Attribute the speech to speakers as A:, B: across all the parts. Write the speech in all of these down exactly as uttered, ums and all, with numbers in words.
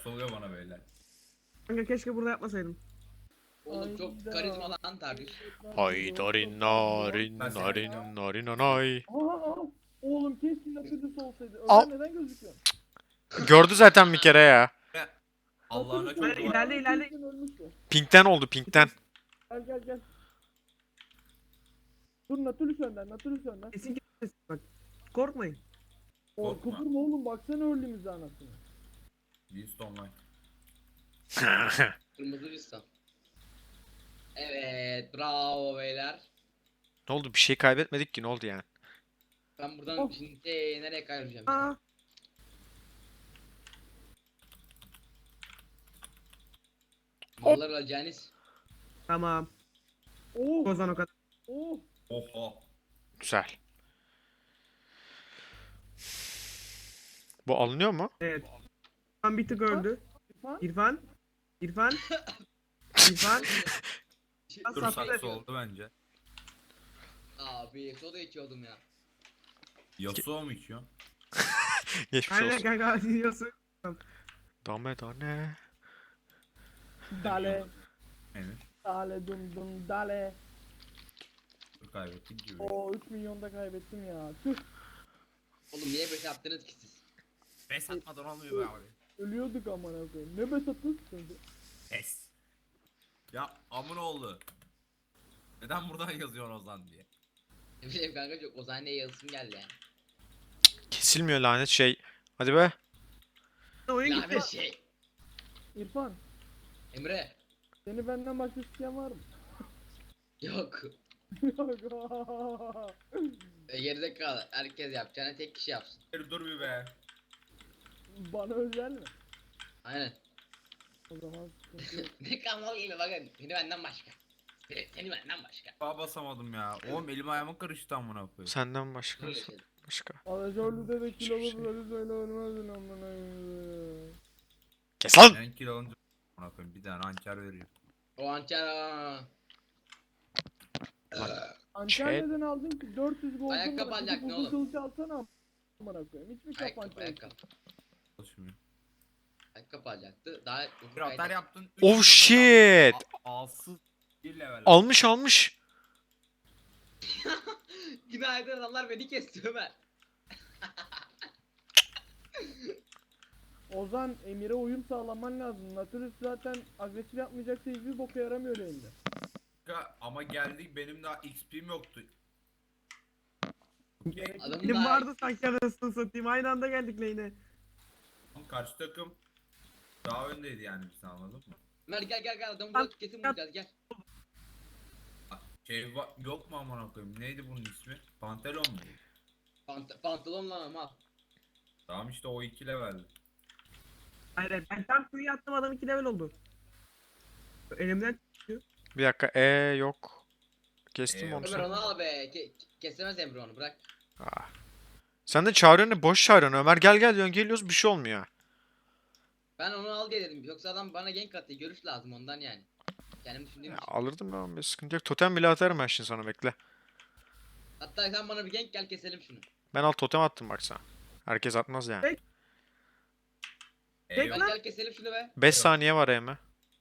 A: Nasıl oluyor bana böyle?
B: Kanka keşke burada yapmasaydım.
C: Oğlum çok karizmalı lan Targus.
D: Haydarin narin
A: Ben seni
D: narin
A: seviyorum.
D: narin anay.
E: Aa, oğlum keşke Nautilus olsaydı.
D: Al.
E: Ömer neden gözüküyor?
D: Gördü zaten bir kere ya.
A: Allah'ına
E: Nautilus
A: çok
B: Hayır,
E: olsaydı
A: dua.
B: ilerle, ilerle.
E: kesin ölmüştü.
D: Pinkten oldu pinkten.
E: Gel gel gel. Dur Nautilus önden, Nautilus önden.
B: Kesin kesin bak. Korkmayın.
E: O
A: Korkma.
E: kıpırma oğlum baksana öldüğümüzde anasını.
A: Beast Online.
C: Kırmızı lista. Evet, bravo beyler.
D: Ne oldu bir şey kaybetmedik ki ne oldu yani?
C: Ben buradan
E: Oh.
C: şimdi ee, nereye kaydıracağım?
B: Aa,
C: Mallar alacağınız.
B: tamam.
E: Oh
B: O zaman o kadar.
E: oh.
A: Oha.
D: Güzel. Bu alınıyor mu?
B: Evet. İrfan bir tık öldü.
E: İrfan.
B: İrfan. İrfan. İrfan.
A: Dur
B: Sattı.
A: saksı oldu bence.
C: Abi soda içiyordum ya.
A: Yasuo mu içiyor?
D: Geçmiş
B: Aynen
D: olsun.
B: kanka diyorsun.
D: Dame dane.
E: Dale.
A: Emir.
E: Dale dum dum dale.
A: Dur kaybettik gibi.
E: Oo üç milyonda kaybettim ya. Tüh.
C: Oğlum niye böyle yaptınız ki siz?
A: Pes atmadan olmuyor be abi.
E: Ölüyorduk amına koyayım. Ne besatın şimdi?
A: Pes. Ya amına oldu. Neden buradan yazıyorsun Ozan diye?
C: Ne bileyim kanka çok Ozan diye yazısım geldi yani.
D: Kesilmiyor lanet şey. Hadi be.
B: Oyun gitti.
C: Lanet şey.
E: İrfan.
C: Emre.
E: Seni benden başka isteyen var mı?
C: Yok.
E: Yok.
C: E, geride kal. Herkes yapacağını tek kişi yapsın.
A: Dur dur bir be.
E: Bana özel mi?
C: Aynen.
E: O zaman sıkıntı yok.
C: Ne kalmalı gibi bakın. Seni benden başka. Seni, seni benden başka.
A: Daha basamadım ya. Oğlum elim ayağıma karıştı amına koyayım.
D: Senden başka.
C: Böyle şey.
D: Başka.
E: Alacağlı de kilolu
D: Hiçbir şey.
E: böyle söyle ölmezdin amına koyayım.
D: Kes lan.
A: Ben kill alınca amına koyayım bir tane hançer veriyor.
C: O hançer aa.
E: Antalya'dan aldın ki dört yüz gol.
C: Ayakkabı alacaktın oğlum.
E: Kılıcı alsana amına koyayım. Hiçbir kafan
C: Ayakkabı
E: çalışmıyor.
C: ayakkabı.
A: Çalışmıyor.
C: Ayakkabı alacaktı. Daha
A: Bir atar yaptın. üç
D: Oh
A: milyon
D: shit.
A: adam- A- Alsız bir level.
D: Almış almış.
C: Günaydın adamlar beni kesti Ömer.
E: Ozan Emir'e uyum sağlaman lazım. Nautilus zaten agresif yapmayacaksa hiçbir boka yaramıyor elinde.
A: Kanka, ama geldik benim daha X P'm yoktu.
C: Adamın
B: Benim
C: daha-
B: vardı sanki anasını satayım. Aynı anda geldik lane'e.
A: Ama karşı takım daha öndeydi yani biz anladın mı?
C: Ömer gel gel gel adamı burada kesin bulacağız gel.
A: Şey va- yok mu amına koyayım? Neydi bunun ismi? Pantelon mu?
C: Pant pantolonla ama.
A: Tamam işte o iki leveldi.
B: Hayır hayır, ben tam Q'yu attım adam iki level oldu. Elimden
D: Bir dakika. E yok. Kestim
A: E,
D: onu
C: Ömer
D: sen.
C: onu al be. Ke kesemez Emre onu bırak.
D: Ah. Sen de çağırıyorsun boş çağırıyorsun Ömer gel gel diyorsun geliyoruz bir şey olmuyor.
C: Ben onu al diye dedim. Yoksa adam bana gank atıyor. Görüş lazım ondan yani. Kendim düşündüğüm
D: Ya,
C: için.
D: alırdım ben bir sıkıntı yok. Totem bile atarım ben şimdi sana bekle.
C: Hatta sen bana bir gank gel keselim şunu.
D: Ben al totem attım bak sana. Herkes atmaz yani.
B: Peki.
A: E,
B: Peki
A: yok.
C: Ben gel keselim şunu be.
D: beş saniye var Eme.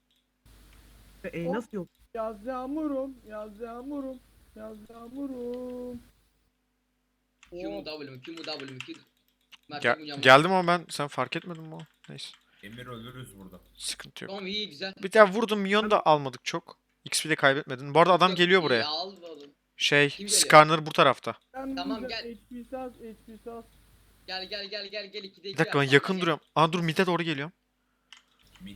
B: E nasıl yok?
E: Yaz yağmurum, yaz yağmurum, yaz yağmurum.
C: Q mu
E: Oh,
C: W mu Q mu W mu Q. Mert
D: Gel-
C: Üncan var.
D: geldim ama ben sen fark etmedin mi o? Neyse.
A: Emir ölürüz burada.
D: Sıkıntı yok.
C: Tamam iyi güzel.
D: Bir daha vurdum milyon da almadık çok. X P de kaybetmedin. Bu arada adam
C: Yok,
D: geliyor
C: iyi,
D: buraya.
C: Al oğlum.
D: Şey
C: Kim geliyor?
D: Skarner bu tarafta.
E: sen
C: Tamam,
E: diyeceksin,
C: gel.
E: H P sas, H P sas.
C: Gel gel gel gel gel ikide iki
D: Bir dakika ben
C: yap.
D: yakın
C: Gel.
D: duruyorum. Aa dur mid'e doğru geliyorum.
A: Mid.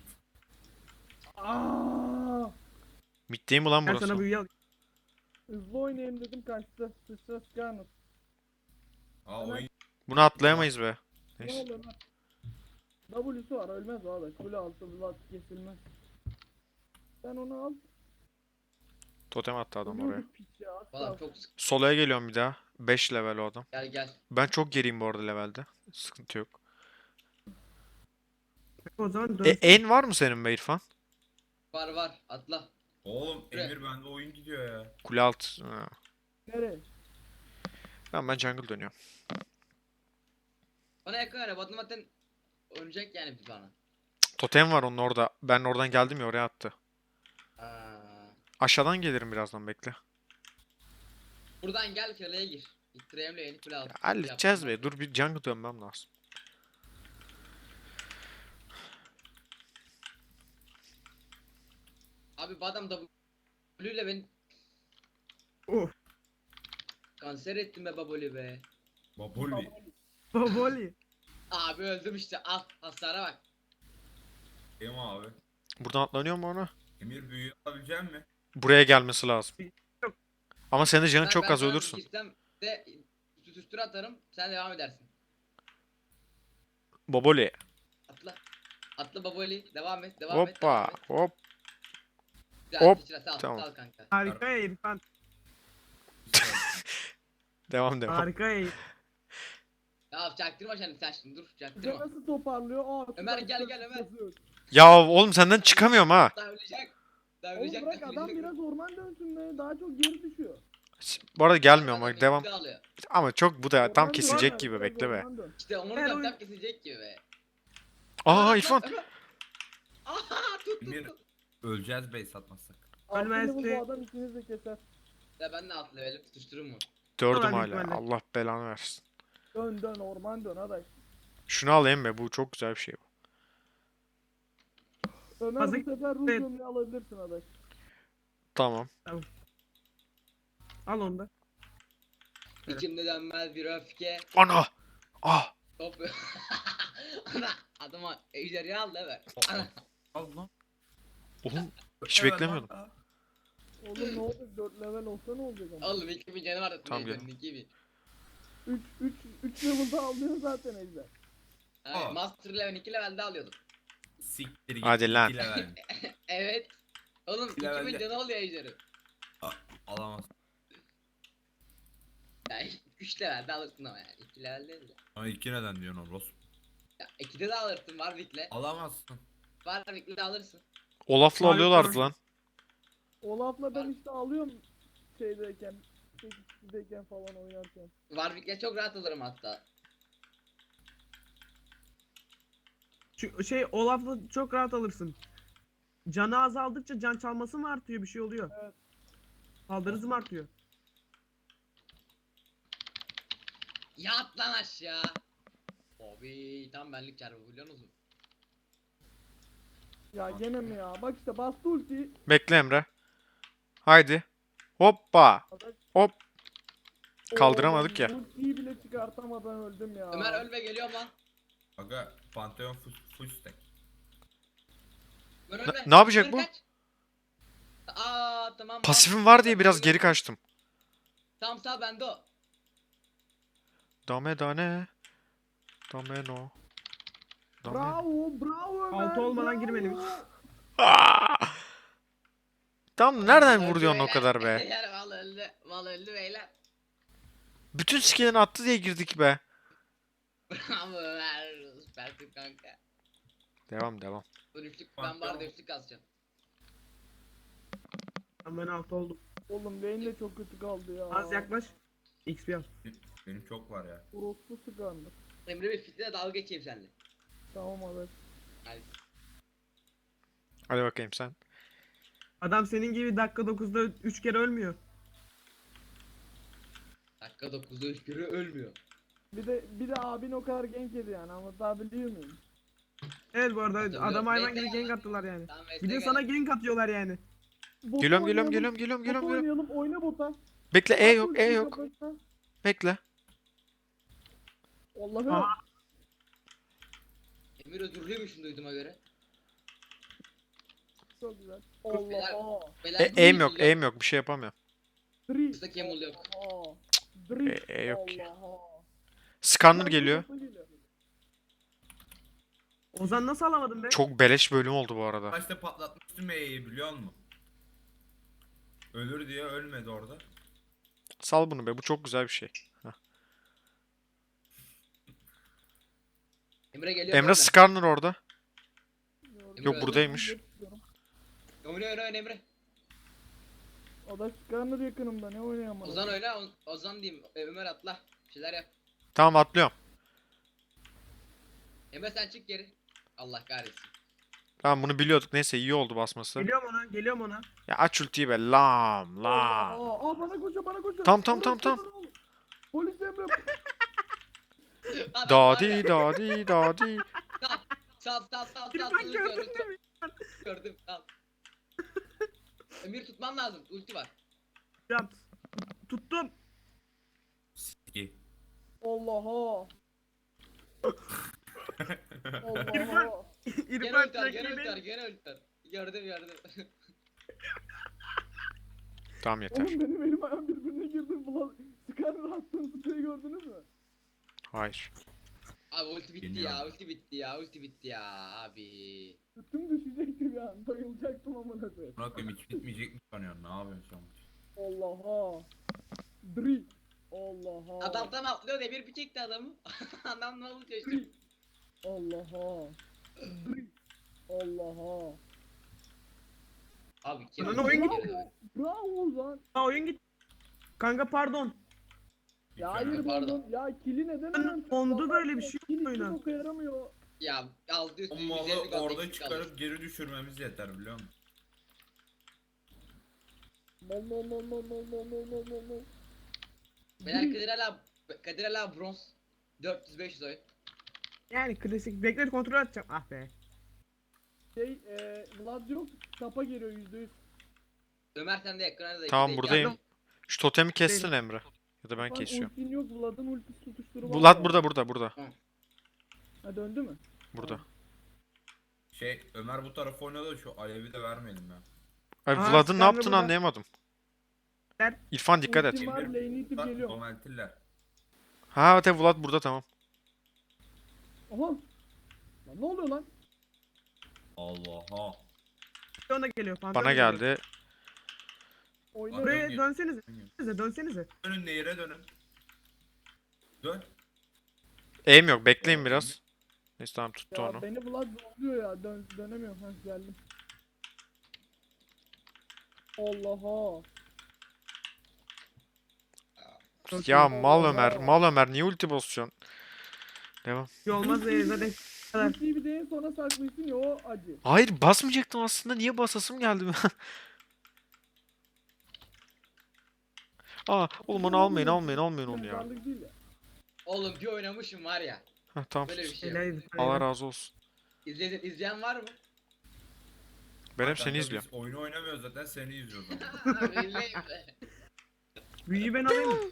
E: Aaaa!
D: Mid'deyim ulan
B: Ben
D: burası.
B: sana büyü al.
E: Hızlı oynayayım dedim kaçtı. Sıçra Skarner.
A: Aa oyun
D: Bunu atlayamayız be.
E: Ne
D: Neyse.
E: oluyor lan? W'su var ölmez abi. Kule altı Vlad kesilmez. Sen onu al.
D: Totem attı adam oraya.
E: Ölüyorduk piç ya. asla.
C: Falan çok sık.
D: Solaya geliyorum bir daha. beş level o adam.
C: Gel gel.
D: Ben çok geriyim bu arada levelde. Sıkıntı yok.
B: O zaman dön.
D: E, en var mı senin be İrfan?
C: Var var atla.
A: Oğlum
C: Şuraya.
A: Emir bende oyun gidiyor ya.
D: Kule alt. Ha.
E: Nereye?
D: Ben ben jungle dönüyorum.
C: Bana yakın ara. Bu adam zaten ölecek yani bir bana.
D: Totem var onun orada. Ben oradan geldim ya oraya attı.
C: Aa,
D: Aşağıdan gelirim birazdan bekle.
C: buradan gel kaleye gir. İttireyimle yeni kule al.
D: Halledeceğiz be. Dur bir jungle dönmem lazım.
C: Abi bu adam W ile beni
B: Of.
C: kanser ettin be baboli be.
A: Baboli.
B: Baboli.
C: Abi öldüm işte al hasara bak.
A: Em abi.
D: Buradan atlanıyor mu ona?
A: Emir büyüyü alabilecek mi?
D: Buraya gelmesi lazım.
B: Yok.
D: Ama senin de canın
C: Ben-
D: çok
C: ben
D: az
C: sana
D: ölürsün.
C: girsem de tutuştur atarım sen devam edersin.
D: Boboli.
C: Atla. Atla baboli devam et devam et. devam
D: Hoppa.
C: et.
D: Hop.
C: Güzel,
D: hop,
C: sıçra, sal,
D: tamam.
C: sal kanka.
B: Harika ya İrfan.
D: Devam devam.
B: Harika ya.
C: Ya çaktırma sen sen şimdi dur
E: Bize
C: çaktırma.
E: nasıl toparlıyor? Aa,
C: Ömer,
E: süper,
C: gel,
E: süper,
C: gel, Ömer.
E: süper.
D: Ya oğlum senden çıkamıyorum ha.
C: Daha ölecek. Daha
E: Oğlum
C: ölecek.
E: bırak
C: daha
E: adam
C: ölecek.
E: biraz orman dönsün be. Daha çok geri düşüyor.
D: Bu arada gelmiyorum
C: Adam
D: bak devam.
C: ikisi alıyor.
D: Ama çok bu da tam
E: Orman dön,
D: kesecek
E: Ömer,
D: gibi
E: biraz
D: bekle be.
E: orman dön.
C: İşte onu
B: Ver
C: da
B: oyun.
C: tam kesecek gibi be.
D: Aa İrfan.
C: Ömer. Aha tut tut
A: Emir
C: tut.
A: öleceğiz bey satmazsak.
E: Altı
B: Ölmezdi.
E: level bu adam ikiniz de keser.
C: Ya ben de alt levelim tutuşturur mu?
D: Dördüm
B: Ulan
D: hala.
B: İrfan'la.
D: Allah belanı versin.
E: Dön dön orman dön adaş.
D: Şunu alayım be. Bu çok güzel bir şey.
E: Ömer
B: Hazır-
E: bu sefer ruh
B: Evet.
E: gömleği alabilirsin adaş.
D: Tamam.
B: Al onu da. Evet.
C: İçimde dönmez bir öfke.
D: Ana. Ah.
C: Top. Ana adama ejderi al da ver. Ana.
A: Al lan.
D: Oğlum hiç
A: Evet
D: beklemiyordum.
A: lan.
E: Oğlum ne olacak dört level olsa ne olacak ama.
C: Oğlum iki bin canı vardı.
D: Tamam,
C: Tamam
D: gelin.
C: iki bin.
E: üç üç üç level'da alıyor zaten ejder.
C: Hayır,
A: Aa.
C: Master level iki levelde alıyordum.
A: Siktir git.
D: Hadi lan.
A: iki level.
C: Evet. Oğlum
A: İki
C: iki bin
A: levelde.
C: canı oluyor ejderi.
A: Alamaz.
C: Yani üç levelde alırsın ama yani. iki level değil de.
A: Ama iki neden diyorsun Oros?
C: Ya ikide de alırsın Warwick'le.
A: Alamazsın.
C: Warwick'le de alırsın.
D: Olaf'la
B: Harika.
D: alıyorlardı lan.
E: Olaf'la ben işte alıyorum şeydeyken, sekiz kişideyken falan oynarken.
C: Warwick'le çok rahat alırım hatta.
B: Şu şey Olaf'la çok rahat alırsın. Canı azaldıkça can çalması mı artıyor, bir şey oluyor?
E: Evet.
B: Saldırısı mı artıyor?
C: Yat lan aşağı. Abi tam benlik çarpı biliyor musun?
E: Ya gene mi ya? Bak işte bastı ulti.
D: Bekle Emre. Haydi. Hoppa.
E: Adaş.
D: Hop. Kaldıramadık
E: Oğlum,
D: ya.
E: Ultiyi bile çıkartamadan öldüm ya.
C: Ömer ölme geliyorum lan.
A: Aga Pantheon full, full stack.
C: Ömer
D: Ne-
C: ölme.
D: ne yapacak
C: Ömer
D: bu?
C: kaç. Aa tamam.
D: Pasifim
C: tamam.
D: var diye biraz geri kaçtım.
C: Tamam sağ bende o.
D: Dame dane. Dame no. Dame.
E: Bravo, bravo Ömer.
B: Altı olmadan
E: bravo.
B: girmedim hiç.
D: Aa! Tam nereden
C: Öldü
D: vuruyorsun o
C: beyler.
D: kadar be?
C: Beyler mal öldü. Mal öldü beyler.
D: Bütün skill'ini attı diye girdik be.
C: Bravo Ömer. Süpersin kanka.
D: Devam devam.
C: Bu üçlük
A: Bak,
C: ben var da
A: tamam.
C: üçlük kazacağım.
B: Ben alt oldum.
E: Oğlum beyin de çok kötü kaldı ya.
B: Az yaklaş. X P al.
A: Benim çok var ya.
E: Orospu sıkandı.
C: Emre bir fitle dalga geçeyim seninle.
E: Tamam adaş.
C: Hadi.
D: Hadi bakayım sen.
B: Adam senin gibi dakika dokuzda üç kere ölmüyor.
C: Dakika dokuzda üç kere ölmüyor.
E: Bir de bir de abin o kadar genk yedi yani anlatabiliyor muyum?
B: Evet bu arada
C: Hatırlıyorum.
B: adam hayvan gibi
C: Bekle ya.
B: gank attılar yani.
C: Tamam
B: Bir de sana gank atıyorlar yani.
E: Bota
D: Geliyorum geliyorum
E: oynayalım,
D: geliyorum geliyorum
E: bota
D: geliyorum. geliyorum.
E: oynayalım oyna bota.
D: Bekle E
E: At
D: yok E
E: ultiyi
D: yok.
E: kafasına.
D: Bekle.
E: Allah'ım.
B: Aha.
C: Emir özürlüymüşsün duyduğuma göre.
E: Çok güzel.
C: Beyler-
E: Allah.
C: Beyler
D: E,
C: bu
D: aim yok
C: yüzüyle-
D: aim yok bir şey yapamıyorum.
E: Dri.
C: Kısa kemul yok.
E: Aa. Dri.
D: E, e yok ki.
E: Allah.
D: Scanner geliyor.
B: Ozan nasıl alamadın be?
D: Çok beleş bölüm oldu bu arada.
A: Başta patlatmıştım E'yi biliyor musun? Ölür diye ölmedi orada.
D: Sal bunu be bu çok güzel bir şey.
C: Emre geliyor.
D: Emre Scanner orada. Yok
C: öldü.
D: buradaymış.
C: Oyna oyna oyna Emre.
E: Adaş Skarner yakınımda ne oynayamam.
C: Ozan oyna. O- Ozan diyeyim. E, Ömer atla. Bir şeyler yap.
D: Tamam atlıyorum.
C: Emre sen çık geri. Allah kahretsin.
D: Tamam bunu biliyorduk. Neyse iyi oldu basması.
B: Geliyorum ona, geliyorum ona.
D: Ya aç ultiyi be. Lam lam.
E: Aa, aa bana koşuyor bana koşuyor.
D: Tam, tam, tam,
E: Orası
D: tam.
E: bana- Polis Emre.
C: Adam var ya.
D: Dadi dadi dadi.
C: Sal sal sal sal.
B: İrfan
C: sal,
B: gördün
C: gördüm,
B: mü?
C: Gördüm sal. Emir tutman lazım. Ulti var.
B: Yap. Tuttum.
A: Siki.
E: Allah'a.
B: İrfan.
E: Allah'a.
C: Gene
B: İrfan
C: ulti var. Gene ulti var.
B: rakibin.
C: Gene ulti var. Gördüm gördüm.
D: Tamam yeter.
E: Oğlum benim elim ayağım birbirine girdi. Ulan Skarner attığım spreyi gördünüz mü?
D: Hayır.
C: Abi ulti bitti
A: Geliyorum.
C: ya. Ulti bitti ya. Ulti bitti ya abi.
E: Sütüm düşecekti bir an. Bayılacaktım amına koyayım.
A: Buna koyayım hiç bitmeyecek mi sanıyorsun? Ne yapıyorsun sen?
E: Allah'a. Dri. Allah'a.
C: Adam tam atlıyor. Emir bir çekti adamı. Adam ne oldu çeşitli.
E: Allah'a. Dri. Allah'a.
C: Abi kim?
B: Lan oyun
C: Bravo.
B: gitti.
E: Bravo lan.
B: Ha oyun gitti. Kanka pardon.
E: Ya
A: Mükemmel.
E: hayır
C: Pardon.
E: pardon. Ya kili neden
B: Lan
E: hemen
B: onda böyle bir şey
E: Kili
B: yok
E: hiç
B: oyuna.
E: boka yaramıyor.
C: Ya altı üstü
A: O
C: yüz
A: malı
C: elli kaldı,
A: orada
C: eksik kaldı.
A: çıkarıp geri düşürmemiz yeter biliyor musun?
E: Mol mol mol mol mol mol mol mol mol mol.
C: Beyler Kadir hala Kadir hala bronz dört yüz beş yüz oyun.
B: Yani klasik. Bekle kontrol edeceğim. Ah be.
E: Şey eee Vlad yok. Tapa geliyor yüzde yüz.
C: Ömer sen de ekrana da
D: Tamam
C: ikide iki
D: buradayım.
C: yaptın.
D: Şu totemi kestin Emre. Ya da ben
E: Lan
D: kesiyorum.
E: ultin yok. Vlad'ın ultisi tutuşturu var.
D: Bulat
E: ya.
D: burada burada burada.
E: Ha döndü mü?
D: Burada.
A: Şey Ömer bu tarafa oynadı da şu Alev'i de vermeyelim ya.
D: Ay
B: Aa,
D: Vlad'ın ne
B: sen de
D: yaptığını
B: burada.
D: anlayamadım. İrfan dikkat et.
E: Ultim var,
A: Emir
E: lane'i itip
A: tutar,
E: geliyorum.
A: Domaltiller.
D: Ha evet evet, Vlad burada tamam.
E: Aha. Lan ne oluyor lan?
A: Allah'a.
B: Ona geliyor. Pantolon
D: Bana
B: geliyor.
D: geldi.
E: Oyna.
A: Dön
B: Buraya
A: gel.
B: dönsenize. Dönsenize. Dönsenize.
A: Dönün nehire dönün. Dön.
D: Aim yok bekleyin biraz. Neyse tamam tuttu
E: Ya
D: onu.
E: beni Vlad zorluyor ya. Dön dönemiyorum. Ha geldim. Allah'a.
D: Ya mal Ömer mal Ömer niye ulti basıyorsun? Devam.
B: Bir şey olmaz ya zaten. kadar.
E: Ultiyi bir deyin sonra saklaysın ya o acı.
D: Hayır basmayacaktım aslında niye basasım geldi. Aa oğlum onu almayın almayın almayın onu ya.
E: Mezarlık değil ya.
C: Oğlum bir oynamışım var ya.
D: Heh, tamam
C: Böyle bir
D: sus.
C: şey yok.
B: Helal,
D: Allah
B: helal.
D: razı olsun.
C: İzleyen, izleyen var mı?
D: Ben hep
A: Kanka
D: seni
A: biz
D: izliyorum.
A: Oyunu oynamıyoruz zaten seni izliyoruz ama.
C: İzleyin be.
B: Büyüyü ben alayım.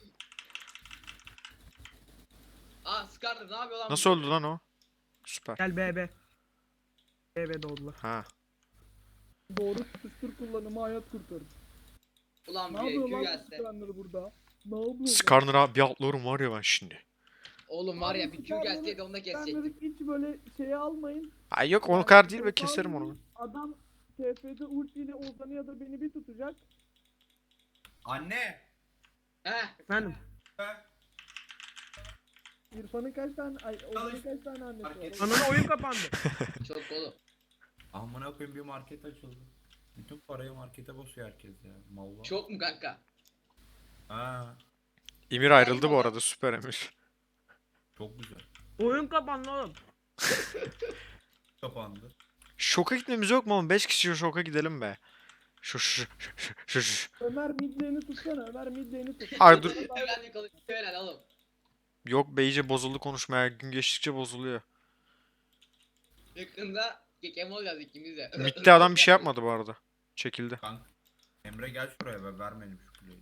C: Aa Skarner ne yapıyor lan?
D: Nasıl
C: bu?
D: öldü lan o? Süper.
B: Gel B B. B B doğdular.
D: Ha.
E: Doğru tutuştur kullanımı hayat kurtarır.
C: Ulan
E: Ne
C: bir
E: yapıyor
C: Q
E: lan
C: gelse.
E: Skarner burada? Ne yapıyor? lan?
D: Skarner'a bir atlıyorum var ya ben şimdi.
C: Oğlum var ya
E: Abi
C: bir Q
E: Skarner'ı-
C: gelseydi onu da kesecektim.
E: Skarner'ı hiç böyle şeye almayın.
D: Ay yok onu
E: Yani
D: kadar değil be
E: T F
D: keserim onu.
E: Adam T F'de ultiyle Ozan'ı ya da beni bir tutacak.
A: Anne.
C: Heh.
B: Efendim.
A: Ben.
E: İrfan'ın kaç tane, ay Ozan'ın kaç tane annesi var?
A: Market-
B: Ananı oyun kapandı.
C: Çok oğlum.
A: Amına koyayım bir market açıldı. Bütün parayı markete basıyor herkes ya. Mallar.
C: Çok mu kanka?
A: Ha,
D: Emir ayrıldı bu arada süper Emir.
A: çok güzel.
B: Oyun kapandı oğlum.
A: Kapandı.
D: Şoka gitmemiz yok mu oğlum? beş kişi şoka gidelim be. Şu şu şu şu şu.
E: Ömer mid lane'i tutsana, Ömer mid lane'i tut.
D: Ay dur.
C: Hemen bir konuşuyor helal oğlum.
D: Yok be iyice bozuldu konuşmaya. Gün geçtikçe bozuluyor.
C: Yakında kekem olacağız ikimiz de.
D: Mid'de adam bir şey yapmadı bu arada. Çekildi.
A: Kanka. Emre gel şuraya be vermeyelim şu kuleyi.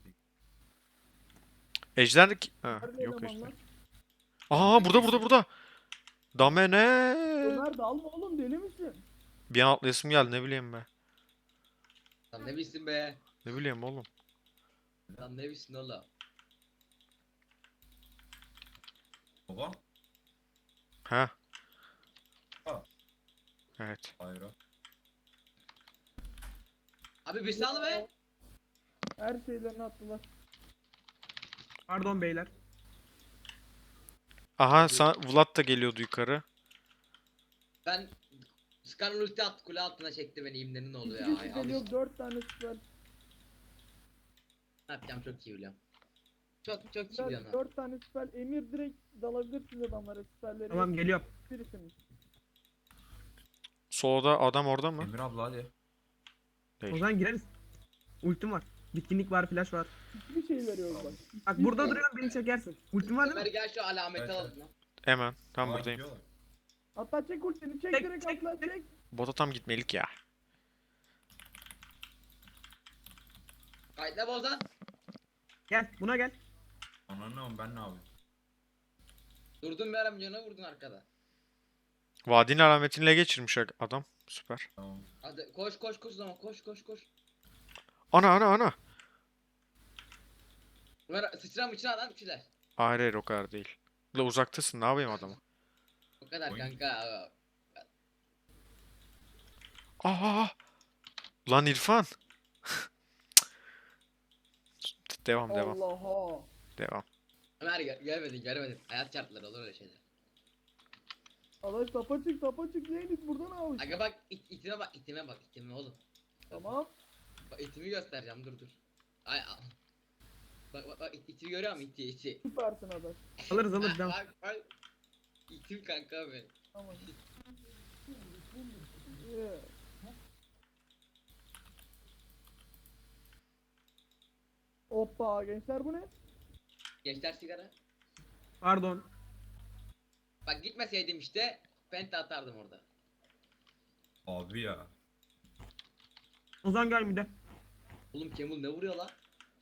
D: Ejder de ki- ha,
E: Nerede
D: yok
E: elemanlar?
D: ejder. Aa burada burada burada. Damene.
E: Ömer dalma oğlum, deli misin?
D: Bir an atlayasım geldi ne bileyim be.
C: Lan ne bilsin be.
D: Ne bileyim oğlum.
C: Lan ne bilsin oğlum.
A: Baba.
D: Ha.
A: Ha.
D: Evet.
A: Hayır.
C: Abi bir sal be.
E: Her şeylerini attılar.
B: Pardon beyler.
D: Aha sa- Vlad da geliyordu yukarı.
C: Ben Skarner ulti attı kule altına çekti beni imlenin oldu ya.
E: İki
C: Ay,
E: kişi
C: al
E: geliyor,
C: işte.
E: dört tane süper.
C: Ne yapacağım çok iyi biliyorum. Çok çok iyi
E: Dört,
C: biliyorum.
E: dört tane süper. Emir direkt dalabilirsiniz adamlara süperleri.
B: Tamam geliyorum.
E: Birisiniz.
D: Solda adam orada mı?
A: Emir abla hadi.
B: O
D: Değil.
B: zaman gireriz. Ultim var. Bitkinlik var, flash var.
E: Hiçbir şey veriyoruz bak.
B: Bak burada duruyorum, beni çekersin. Ultim var değil
C: Ömer
B: mi?
C: gel şu alameti
A: Evet,
C: alalım lan.
D: Hemen. Tam
A: Aa,
D: buradayım.
A: gidiyorlar.
E: Hatta çek ultini çek
B: Çek,
E: direkt
B: çek,
E: atla
B: çek.
E: çek.
D: Bota tam gitmelik ya.
C: Kayıtla bozan.
B: Gel, buna gel.
A: Ananı ne ben ne yapayım?
C: Durdun bir ara milyona vurdun arkada.
D: Vadinin alametini geçirmiş adam. Süper.
A: Tamam.
C: Hadi koş koş koş zaman koş koş koş.
D: Ana ana ana.
C: Ömer sıçra mıçra lan bir şeyler.
D: Hayır hayır o kadar değil. La uzaktasın ne yapayım adamı?
C: O kadar
A: Oy.
C: kanka.
D: Aa! Lan İrfan. Devam devam
E: Allah'a.
D: devam.
C: Ömer gel gelmedin gelmedin. Hayat şartları olur öyle şeyler.
E: Adaş tapa çık tapa çık Zeynep buradan al.
C: Aga bak it, itime bak itime bak itime oğlum.
E: Tamam.
C: Bak itimi göstereceğim dur dur. Ay al. Bak bak bak it, iti görüyor musun iti iti.
E: Süpersin Adaş.
B: Alırız alırız, devam.
C: Bak bak. İtim kanka benim.
E: Tamam. Yeah. Hoppa gençler bu ne?
C: Gençler sigara.
B: Pardon.
C: Bak gitmeseydim işte penta atardım orada.
A: Abi ya.
B: Ozan gel bir de.
C: Oğlum Kemul ne vuruyor lan?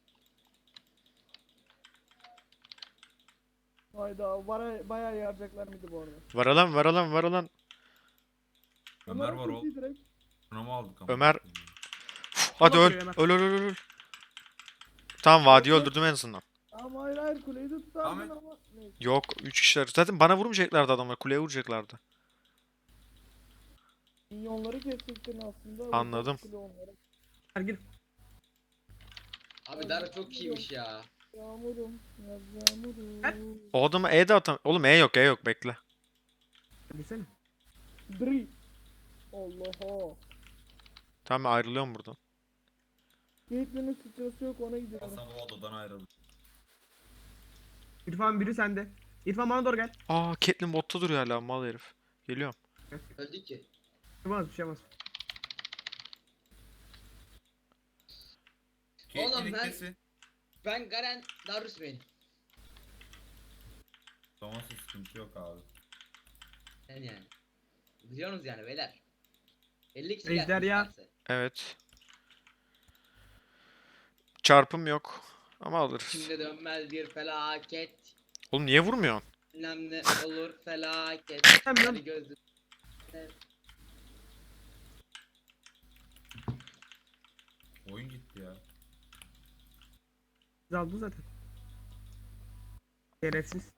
E: Hayda baya, bayağı yaracaklar mıydı bu arada?
D: Var alan var alan var alan.
A: Ömer
E: Ömer'in
A: var o.
E: ultiyi direkt.
A: Şuna mı aldık ama?
D: Ömer. Hadi
B: Sola
D: öl.
B: duruyor Ömer.
D: Öl öl öl öl. Tamam vadiyi öldürdüm en azından.
E: Ama hayır hayır kuleyi de tutardın
A: Ahmet.
E: ama. Neyse.
D: Yok üç kişiler. Zaten bana vurmayacaklardı adamlar. Kuleye vuracaklardı.
E: Minyonları kesecektin aslında.
D: Anladım.
E: Kule onları.
B: Gel gir.
C: Abi Dara çok iyiymiş ya.
E: Yağmurum. Yaz yağmurum.
B: Hep.
D: O adama E de atam. Oğlum E yok E yok bekle.
B: Girsene.
E: Dri. Allah'a.
D: Tamam ben ayrılıyorum buradan.
E: Caitlyn'in sıçrası yok ona gidiyorum.
A: Hasan o odadan ayrıldı.
B: İrfan biri sende. İrfan bana doğru gel.
D: Aa Caitlyn botta duruyor hala mal herif. Geliyorum.
C: Öldük ki.
B: Bir şey olmaz, bir şey olmaz.
C: Oğlum
A: Caitlyn
C: ben-
A: ikisi.
C: Ben Garen Darius benim.
A: Thomas'ın sıkıntı yok abi.
C: Yani yani. Biliyorsunuz yani beyler. elli kişi
B: Ejder
C: gelsin
B: ya.
C: isterse.
D: Evet. Çarpım yok. Ama alırız.
C: Şimdi dönmez bir felaket.
D: Oğlum niye vurmuyorsun?
C: Bilmem ne olur felaket.
B: Hemen.
C: Hadi gözüm.
A: Oyun gitti ya.
B: Biz aldı zaten. Şerefsiz.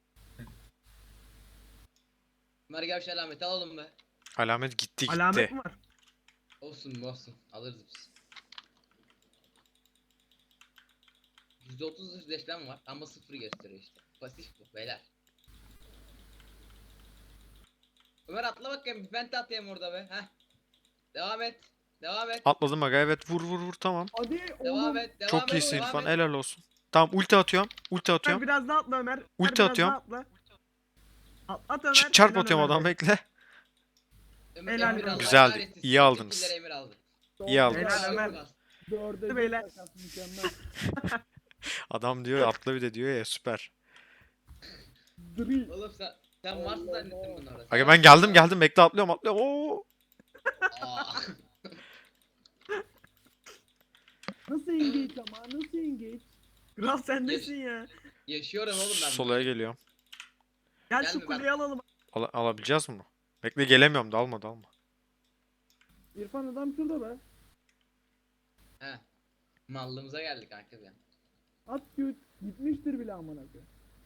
C: Ömer gel şu alameti alalım be.
D: Alamet gitti gitti.
B: Alamet mi var?
C: Olsun olsun alırız biz. yüzde otuz yüzleşmem var ama sıfır gösteriyor işte. Pasif bu beyler. Ömer atla bakayım bir penta atayım orada be. Heh. Devam et. Devam et.
D: Atladım aga evet vur vur vur tamam.
E: Hadi
C: Devam
E: oğlum.
C: et. Devam
D: Çok
C: et.
D: iyisin
C: devam
D: İrfan
C: et.
D: helal olsun. Tamam ulti atıyorum. Ulti
B: Ömer
D: atıyorum.
B: biraz daha atla Ömer. Ömer
D: Ulti
B: biraz
D: atıyorum.
B: daha atla. At, at Ömer.
D: Ç- çarp
B: helal
D: atıyorum
B: Ömer
D: adam
B: be.
D: bekle.
C: Ömer,
B: Helal
C: Emir
B: olsun.
C: aldı.
D: Güzeldi,
C: Kahretsin.
D: iyi aldınız.
C: Sekizlere Emir aldı.
D: İyi aldın.
B: Helal Ömer.
E: Dörde
B: Hadi
E: bir
B: beyler.
E: takas, mükemmel.
D: Adam diyor atla bir de diyor ya süper.
E: Dri.
C: Oğlum sen sen
E: Allah
C: varsın zannettim
E: Allah.
C: bunu orada.
D: Aga ben geldim geldim bekle atlıyorum atlıyorum. Oo.
C: Aa.
E: Nasıl engage ama nasıl engage?
B: Kral sendesin ya.
C: Yaşıyorum oğlum ben.
D: Solaya geliyorum.
B: Gel
C: Gelme
B: şu
C: ben.
B: kuleyi alalım.
D: Al alabileceğiz mi bunu? Bekle gelemiyorum dalma dalma.
E: İrfan adam şurada be.
C: He. Mallığımıza geldik kanka bir an.
E: At küt. Gitmiştir bile amına koyayım.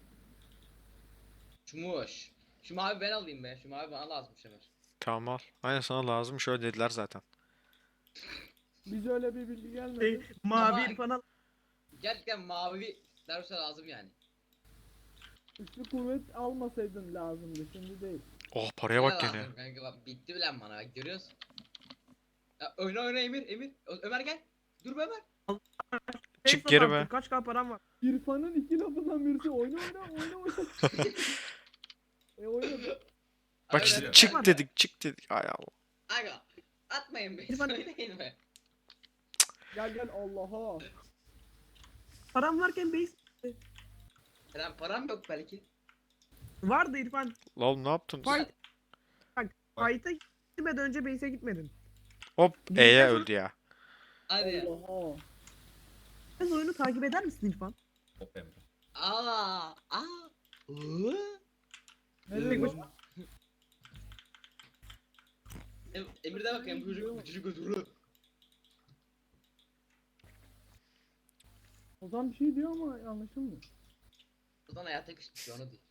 C: Çumuş. Şu mavi ben alayım be. Şu mavi bana lazımmış Ömer.
D: Tamam al. Aynen sana lazım şöyle dediler zaten.
E: Bize öyle bir bilgi gelmedi.
B: Şey, mavi
C: Ama-
B: İrfan al.
C: Gerçekten mavi Darus'a lazım yani.
E: Üçlü kuvvet almasaydın lazımdı şimdi değil.
D: Oh paraya bak
C: Bana
D: gene.
C: lazım Kanka bak bitti bile bana bak görüyorsun. Ya, oyna oyna Emir Emir. Ö- Ömer gel. Dur be Ömer.
B: Şey
D: Çık geri
B: satan,
D: be.
B: Kaç k param var?
E: İrfan'ın iki lafından birisi oyna oyna oyna oyna. e oyna be.
D: Bak
C: Aynen
D: işte
C: öyle.
D: çık
C: Ben-
D: dedik çık dedik. Ay Allah.
C: Aga atmayın beni
B: İrfan-
C: söyleyin be.
E: Gel gel Allah'a.
B: Param varken base
C: Lan param yok belki.
B: vardı İrfan.
D: La oğlum ne yaptın?
B: Fight. Bak fight'a gitmeden önce base'e gitmedin.
D: Hop
B: Bir
D: E'ye
B: de sonra-
D: öldü ya.
C: Hadi ya.
E: Allah'a.
B: Sen oyunu takip eder misin İrfan?
A: Hop Emre.
C: Aa, aa. Hı?
E: Ne
B: Tek
E: diyorsun?
B: başına-
C: Em- Emir'de bakayım bu çocuk bu çocuk götürü.
E: Ozan bir şey diyor ama anlaşılmıyor.
C: Buradan hayata küstü onu diyor.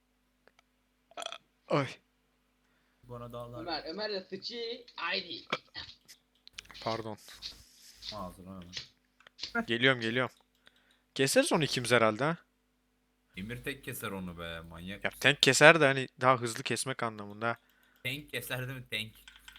D: Ay.
A: Bana dağlar.
C: Ömer, Ömer de sıçı. Haydi.
D: Pardon.
A: Ağzına hemen.
D: Geliyorum geliyorum. Keseriz onu ikimiz herhalde ha.
A: Emir tek keser onu be manyak.
D: Ya tank keser de hani daha hızlı kesmek anlamında.
A: Tank keser değil mi tank?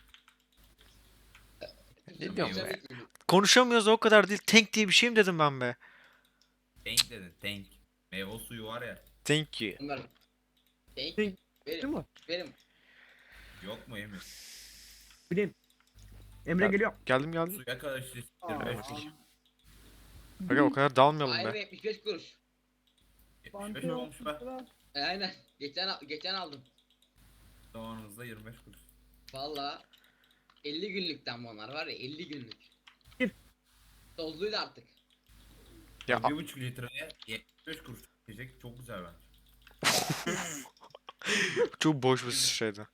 D: Ne diyorum
C: Güzel
D: be?
C: bir çocuk.
D: Konuşamıyoruz o kadar değil. Tank diye bir şey mi dedim ben be?
A: Tank dedin tank. Meyve suyu var ya.
D: Thank you.
C: Ömer. Denk.
B: Denk. Değil
C: Benim.
B: mi?
C: Benim.
A: Yok mu Emir?
B: Bileyim. Emre
D: Ya-
B: geliyor.
D: Geldim geldim.
A: Suya karşı
E: Aa.
A: yirmi beş kuruş.
D: Aga o kadar dalmayalım
C: Ayrı
D: be.
C: yetmiş beş kuruş.
A: yetmiş beş mi olmuş be?
C: E, aynen. Geçen al- geçen aldım.
A: Zamanımızda yirmi beş kuruş.
C: Valla elli günlükten bunlar var ya elli günlük.
B: Bir.
C: Tozluydu artık.
D: Ya
A: bir buçuk litreye yetmiş beş kuruş diyecek çok güzel bence.
D: çok boş bir şeydi.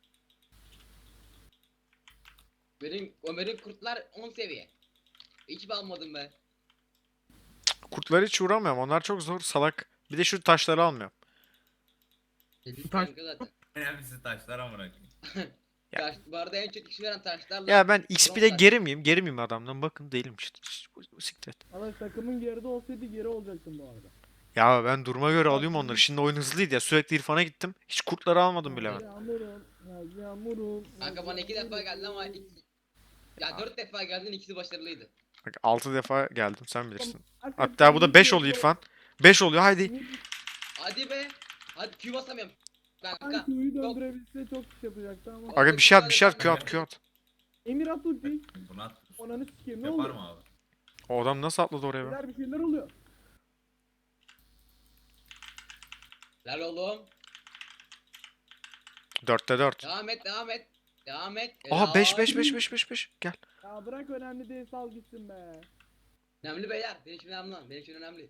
C: Benim Ömer'in kurtlar on seviye. Hiç almadım ben.
D: Kurtlara hiç uğramıyorum. Onlar çok zor salak. Bir de şu taşları almıyorum.
C: Dedik
B: Taş-
C: kanka zaten.
A: Önemlisi taşlar amına koyayım.
D: Ya-
C: Taş, bu arada en çok iş veren taşlarla.
D: Ya ben X P'de
C: bronz
D: geri miyim? Geri miyim adamdan? Bakın değilim işte. Siktir et.
E: Arkadaş takımın geride olsaydı geri olacaktım bu arada.
D: Ya ben duruma göre alıyorum onları. Şimdi oyun hızlıydı ya. Sürekli İrfan'a gittim. Hiç kurtları almadım bile ben.
E: Yağmurum, yaz yağmurum.
C: taş. Kanka bana iki defa geldi ama iki... Ya dört defa geldin ikisi başarılıydı.
D: Bak altı defa geldim sen bilirsin.
E: Arkadaş,
D: Hatta bu da beş oluyor
E: geride-
D: İrfan. beş oluyor haydi.
C: Hadi be. Hadi Q basamıyorum. Kanka.
E: Sanki Q'yu döndürebilse çok iş yapacaktı ama.
C: Bak-
D: Aga bir şey at bir şey at. Q at Q at.
E: Emir at ulti.
A: Bunu at.
E: Ananı sikeyim ne
A: Yapar
E: oluyor?
A: mı abi?
D: O adam nasıl atladı oraya be?
E: Beyler bir şeyler oluyor.
C: Lan oğlum.
D: dörtte dört.
C: Devam et devam et. Devam et.
D: Aha beş beş
C: Helal.
D: beş beş beş beş. Gel.
E: Ya bırak önemli değil sal gitsin be.
C: Önemli beyler. Benim için önemli lan. Benim için önemli.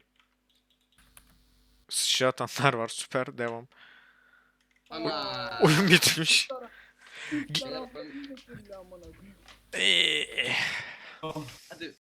D: Sıçra atanlar var. Süper devam.
C: Ama.
D: Oyun bitmiş.
E: Üç
C: Gel.
E: taraftan iyi getirdi amına koyayım.
D: Eee.
C: Hadi